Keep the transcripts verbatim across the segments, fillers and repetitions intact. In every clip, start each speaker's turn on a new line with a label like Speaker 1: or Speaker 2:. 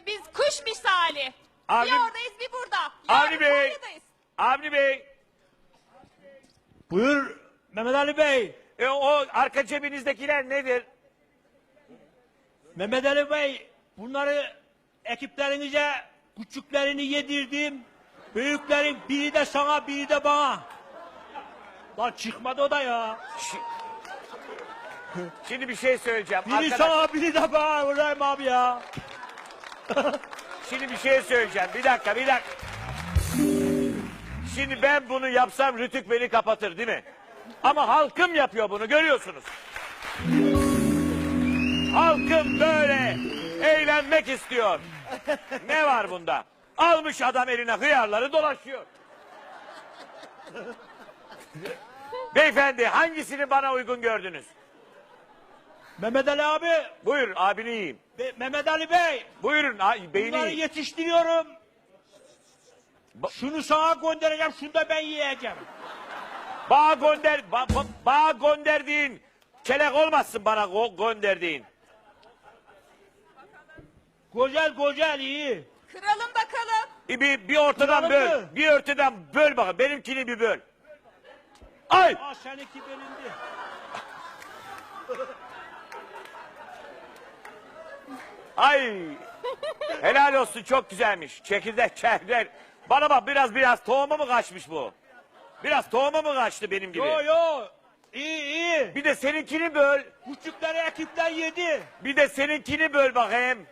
Speaker 1: biz kuş misali.
Speaker 2: Avni-
Speaker 1: Bir oradayız bir burada.
Speaker 2: Avni
Speaker 1: Yarın
Speaker 2: Bey.
Speaker 1: Konya'dayız.
Speaker 2: Avni Bey.
Speaker 3: Buyur Mehmet Ali Bey.
Speaker 2: E, o arka cebinizdekiler nedir?
Speaker 3: Mehmet Ali Bey, bunları ekiplerinize küçüklerini yedirdim. Büyüklerin biri de sana, biri de bana. Lan çıkmadı o da ya.
Speaker 2: Şimdi bir şey söyleyeceğim.
Speaker 3: Biri
Speaker 2: Arkadaş,
Speaker 3: sana, biri de bana. Ulan abi ya.
Speaker 2: şimdi bir şey söyleyeceğim. Bir dakika, bir dakika. Şimdi ben bunu yapsam Rütük beni kapatır değil mi? Ama halkım yapıyor bunu, görüyorsunuz. Halkım böyle eğlenmek istiyor. Ne var bunda? Almış adam eline hıyarları dolaşıyor. Beyefendi, hangisini bana uygun gördünüz?
Speaker 3: Mehmet Ali abi,
Speaker 2: Buyurun, abini yiyeyim.
Speaker 3: Be- Mehmet Ali Bey.
Speaker 2: Buyurun, a- beyni
Speaker 3: Bunları
Speaker 2: yiyin.
Speaker 3: yetiştiriyorum.
Speaker 2: Ba-
Speaker 3: Şunu sana göndereceğim, şunu da ben yiyeceğim.
Speaker 2: Bağ gönder, ba, ba, bağ gönderdiğin kelek olmasın bana go- gönderdiğin.
Speaker 3: Güzel güzel iyi.
Speaker 1: Kıralım bakalım.
Speaker 2: E, Bir, bir ortadan
Speaker 3: Kıralım
Speaker 2: böl,
Speaker 3: mı?
Speaker 2: bir ortadan böl bakalım. Benimkini bir böl. Ay!
Speaker 3: Aa seninki bölündü.
Speaker 2: Ay! Helal olsun, çok güzelmiş. Çekirdek çekirdek. Bana bak, biraz biraz tohumu mu kaçmış bu? Biraz tohumu mu kaçtı benim gibi?
Speaker 3: Yo yo. İyi iyi.
Speaker 2: Bir de seninkini böl.
Speaker 3: Küçükleri ekipler yedi.
Speaker 2: Bir de seninkini böl bakayım.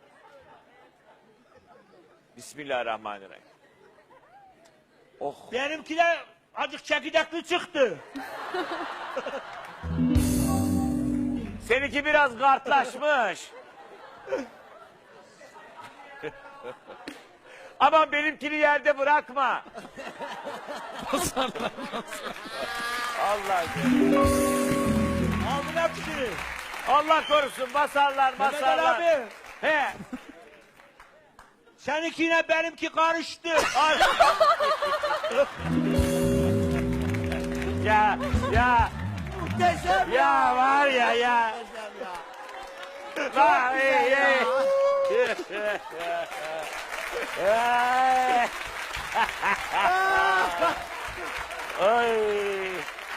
Speaker 2: Bismillahirrahmanirrahim. Oh.
Speaker 3: Benimkiler azıcık çekirdekli çıktı.
Speaker 2: Seninki biraz kartlaşmış. Aman benimkini yerde bırakma. Allah
Speaker 3: Aldın hepsini.
Speaker 2: Allah korusun, basarlar
Speaker 3: Mehmet Ali
Speaker 2: basarlar.
Speaker 3: abi.
Speaker 2: He.
Speaker 3: Seninkiyle benimki karıştı.
Speaker 2: Ay. ya ya
Speaker 3: Muhteşem
Speaker 2: ya var ya ya. Vay, ey, ey. Ay. Ay.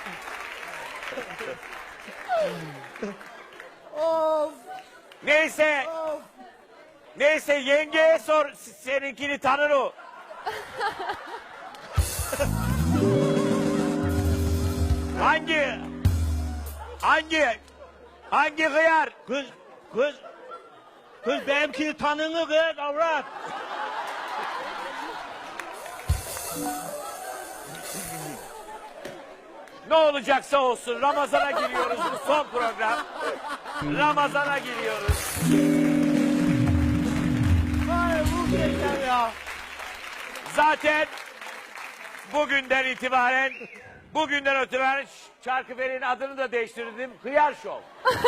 Speaker 4: Of
Speaker 2: Neyse,
Speaker 4: of.
Speaker 2: neyse yengeye sor, seninkini tanır o. hangi, hangi, hangi hıyar?
Speaker 3: Kız, kız. Kız benimkini tanını kız avrat.
Speaker 2: Ne olacaksa olsun, Ramazan'a giriyoruz, bu son program. Ramazan'a giriyoruz.
Speaker 3: Vay muhteşem ya.
Speaker 2: Zaten bugünden itibaren, bugünden itibaren Çarkıfele'nin adını da değiştirdim. Hıyar Show.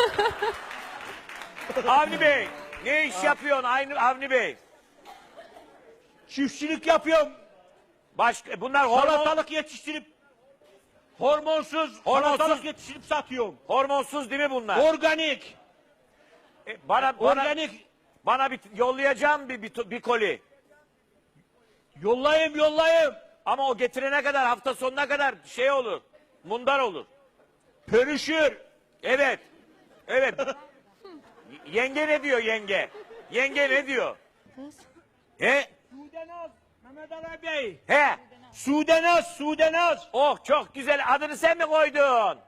Speaker 2: Avni Bey, ne iş yapıyorsun Aynı Avni Bey?
Speaker 3: Çiftçilik yapıyorum.
Speaker 2: Başka, bunlar hormon,
Speaker 3: Salatalık yetiştirip hormonsuz
Speaker 2: Hormonsuz.
Speaker 3: salatalık yetiştirip satıyorum.
Speaker 2: hormonsuz değil mi bunlar?
Speaker 3: Organik.
Speaker 2: E, bana, bana,
Speaker 3: Organik.
Speaker 2: bana bir yollayacağım bir, bir, bir koli.
Speaker 3: Yollayayım yollayayım.
Speaker 2: Ama o getirene kadar, hafta sonuna kadar şey olur. Mundar olur.
Speaker 3: Pörüşür.
Speaker 2: Evet. Evet. Y- yenge ne diyor yenge? Yenge ne diyor? He?
Speaker 3: Sudenaz. Mehmet Ali Bey.
Speaker 2: He?
Speaker 3: Sudenaz, Sudenaz.
Speaker 2: Oh, çok güzel. Adını sen mi koydun?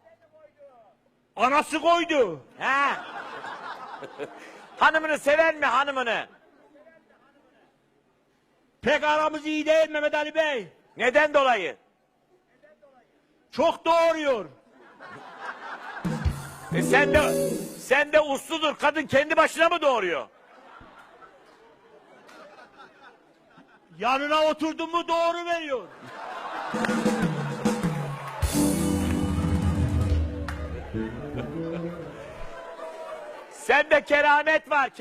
Speaker 3: Anası koydu.
Speaker 2: He? Hanımını seven mi hanımını?
Speaker 3: Pek aramız iyi değil Mehmet Ali Bey.
Speaker 2: Neden dolayı?
Speaker 3: Çok doğuruyor.
Speaker 2: E sen de sen de usludur. Kadın kendi başına mı doğuruyor?
Speaker 3: Yanına oturdun mu doğru veriyor.
Speaker 2: Sende keramet var.